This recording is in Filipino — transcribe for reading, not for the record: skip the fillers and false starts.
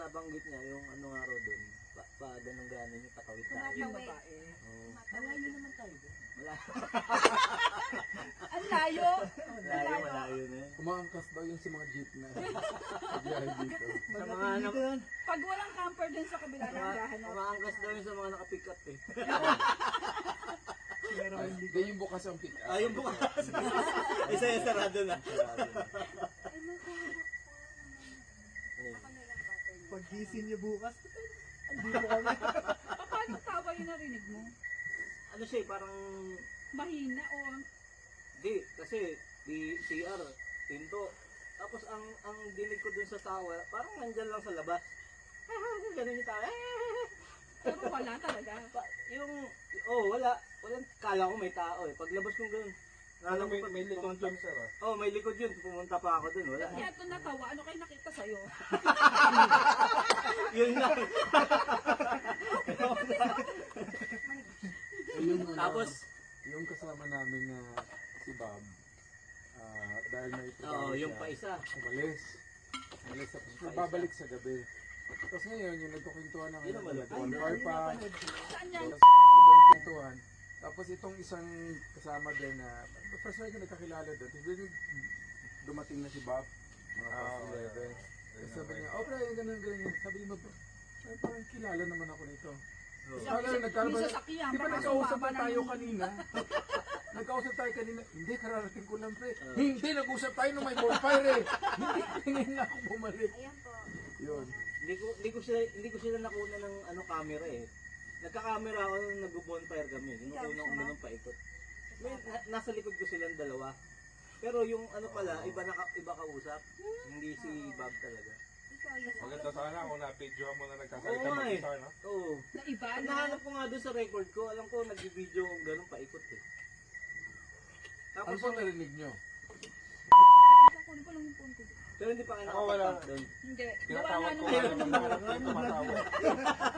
nabanggit niya, yung ano nga raw doon, pa ganun-ganon yung takawit tayo. Yung babae. Malayo naman tayo doon. Malayo. Ang layo. Malayo na yun. Umaangkas daw yun sa mga jeep na biyahe dito. Sa mga Pag walang camper din sa kabila ng gahanap. umaangkas daw yun sa mga nakapick up eh. Ay, ganyan yung bukas ang pick up. Ah, yung bukas. Isa yung sarado na. Pag-gising niyo bukas, andito kami. Paano tawa yung narinig mo? Ano siya eh, parang Mahina o di, kasi di CR, pinto. Tapos ang dinig ko dun sa tawa, parang nandyan lang sa labas. Ganun yung tawa. pero wala talaga. Wala. Walang, kala ko may tao eh. Paglabas kong ganun, May likod dyan, sir. may likod yun. Pumunta pa ako dun. Wala. Kaya ito natawa, ano kayo nakita sa'yo? Yun lang. Tapos, yung kasama namin na si Bob, dahil may trabaho yung siya, pa isa. umalis. Tapos babalik sa gabi. Tapos ngayon, yung nagkukwentuhan na Yun ngayon, naman. nag-on par pa. Saan yan? Tapos kwentuhan. Tapos itong isang kasama din na, first time ko nagkakilala doon. Tapos din dumating na si Bob, mga past 11. Tapos sabi niya, pre, ganun. Sabi niya, parang kilala naman ako nito. Yung sasakyan, Di ba baka nagkausap sumama na na tayo yung... kanina? Nagkausap tayo kanina. Hindi, kararating ko lang, pre. Hindi, nag-usap tayo nung may bonfire eh. Hindi na ako bumalik. Ayan po. Yun. Hindi ko sila nakuna ng camera eh. Nagka-camera ako nung nag-bonfire kami. Kinukunan ko na ng paikot. Nasa likod ko silang dalawa. Pero yung ano pala, iba kausap. Hindi si Bob talaga. Maganda sana kung na-videohan mo na nagkasalita Oo nga eh. mag-isa, no? Oo. Na iba, Ang no? nahanap ko nga doon sa record ko, alam ko nag-video kung gano'n paikot eh. Ano Tapos, po narinig nyo? Kunin ko lang yung phone ko. pero hindi pa kayo Ako wala. nakapag doon. Hindi. Gawa Tinatawag nga ko nung nga naman tumatawa.